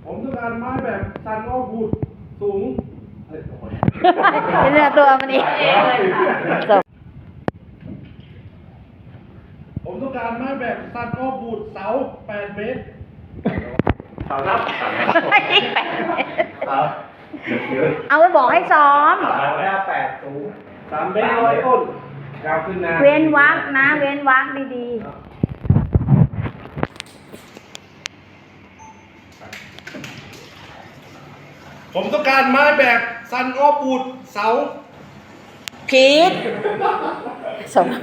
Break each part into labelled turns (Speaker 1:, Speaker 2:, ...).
Speaker 1: ผมต้องการไม้แบบซันออฟวูดสูง
Speaker 2: เป็นเนื้อตัวมันอีกจบ
Speaker 1: ผมต้องการไม้แบบซันออฟวูดเสา8 เมตร
Speaker 3: เสารับเสา
Speaker 2: เอาไว้บอกให้ซ้อม
Speaker 3: 8 สูง
Speaker 1: 3 เมตร100 ต้นยาวขึ้นนะ
Speaker 2: เว้นวรรคนะ เว้นวรรคดี
Speaker 1: ผมต้องการไม้แบบซันออฟวูดเสา
Speaker 2: ๆพีทสม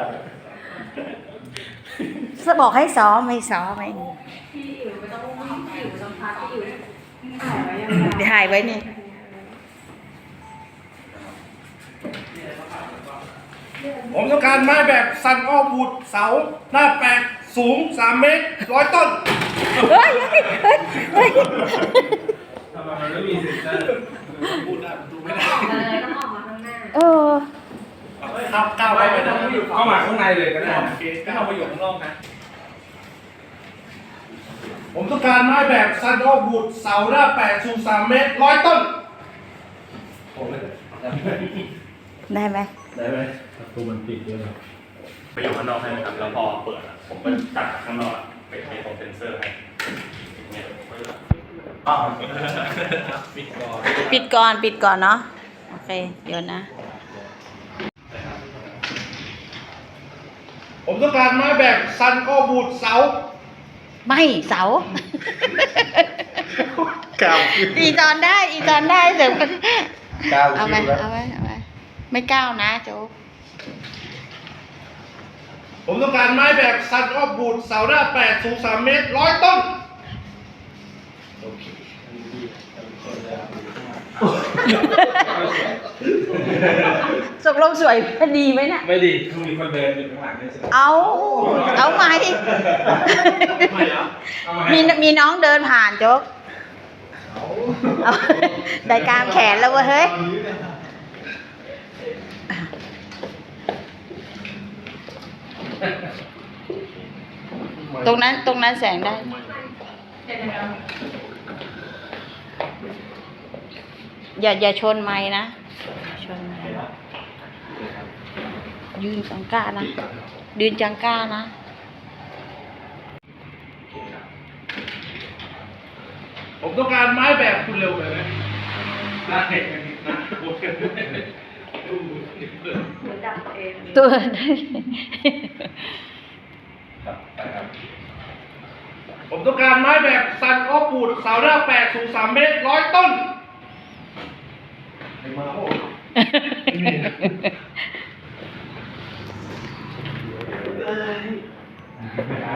Speaker 2: บอกให้ซ้อมไม่ซ้อมไม่
Speaker 4: พี่อิ๋วไม่ต้องพี่อิ๋วลำพักพี่อิ๋วถ่ายไว้ยังไง
Speaker 2: ถ่ายไว้นี่
Speaker 1: ผมต้องการไม้แบบซันออฟวูดเสาหน้าแปลกสูง3 เมตร100 ต้น
Speaker 2: เฮ้ยเฮ้ย
Speaker 3: ทำไมมันไม่มีเซ็นเซอร์
Speaker 1: พูดได้ดูไม่ได้
Speaker 4: ต้องออกมาข้างหน้า
Speaker 2: เออ
Speaker 1: ครับก้าวไปไม่ได้
Speaker 3: เข้ามาข้างในเลยก็ได้
Speaker 1: โอเค
Speaker 3: ไม่ต้องไปอยู่ข้างนอกนะ
Speaker 1: ผมต้องการไม้แบบซันออฟวูดเสาหน้าแปลกสูง3 เมตร100 ต้น
Speaker 2: ได้ไหม
Speaker 3: ได้ไหม
Speaker 5: ประตูมันปิดด้วยครับ
Speaker 6: ไปอยู่ข้างนอกให้นะครับแล้วพอเปิดอะผมก็ตัดจากข้างนอกอะไปตรงเซนเซอร์ให้เนี่ย
Speaker 3: อ้าว
Speaker 6: ปิดก่อน
Speaker 2: ปิดก่อน ปิดก่อนเนาะ โอเค เดี๋ยวนะ
Speaker 1: ผมต้องการไม้แบบซันออฟวูดเสา
Speaker 2: ไม่เสา
Speaker 3: ก้าว
Speaker 2: อีตอนได้ อีตอนได้เดี๋ยว
Speaker 3: ก้าว
Speaker 2: เอาไหม
Speaker 3: คิวแล้ว
Speaker 2: เอาไหมเอาไหมไม่ก้าวนะโจ๊ก
Speaker 1: ผมต้องการไม้แบบซันออฟวูดเสาหน้าแปลกสูง3 เมตร100 ต้น
Speaker 2: สกลงสวยพอดีไหมน่ะ
Speaker 3: ไม่ดีคือมีคนเดินอยู่ข้างหลังด้วยใช่ไหม
Speaker 2: เอาไหม
Speaker 3: ไม่เหรอเอามาให้
Speaker 2: มีน้องเดินผ่านโจ๊กเอาได้กลางแขนแล้วเว้ยเฮ้ย ตรงนั้นแสงได้ อย่าชนไม้นะ ชนไม้ยืนจังก้านะยืนจังก้านะ
Speaker 1: ผมต้องการไม้แบบคุณเร็วไปไหมได้นะโอเค
Speaker 4: ดับเอง
Speaker 2: ตัว
Speaker 1: ผมต้องการไม้แบบซันออฟวูดเสาหน้าแปลกสูง3 เมตร100 ต้น ไอ้มาโอ้